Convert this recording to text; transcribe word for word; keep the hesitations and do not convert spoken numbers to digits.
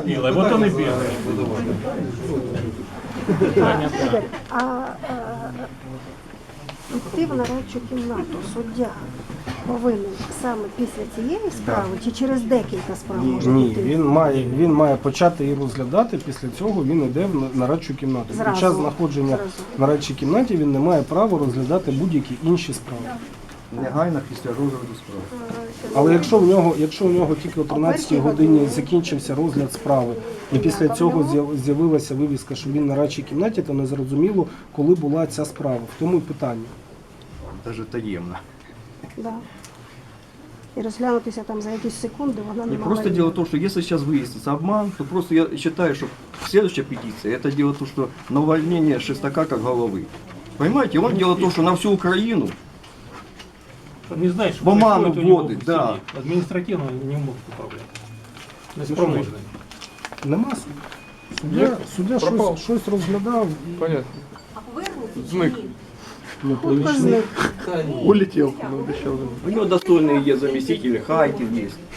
Белый, вот он и белый. Ігор, а е, йти в нарадчу кімнату суддя повинен саме після цієї справи чи через декілька справ може Ні, йти? він має, він має почати її розглядати, після цього він йде в нарадчу кімнату. Зразу. Під час знаходження Зразу. в нарадчій кімнаті він не має права розглядати будь-які інші справи. Негайно після розгляду справи. Але якщо в нього, якщо у нього тільки о тринадцятій годині закінчився розгляд справи, і після цього з'яв- з'явилася вивіска, що він на нарадчій кімнаті, то не зрозуміло, коли була ця справа. В тому і питання. Навіть таємно. Да. І розглянутися там за якісь секунди вона не Не могла. просто дело в том, что если сейчас выяснится обман, то просто я считаю, что следующая петиция, это дело в том, что на увольнение Шестака как головы. Понимаете, он дело в том, что на всю Украину Он не знает, что В оману происходит у него вводит, в да. семье. Административно он не мог управлять. Неспроможний. Нема суду. Суддя, суддя щось, щось розглядав і Понятно. Зник. ну, Хутко зник. Улетел, ну, обещал. у него достойные есть заместители, Хайкин есть.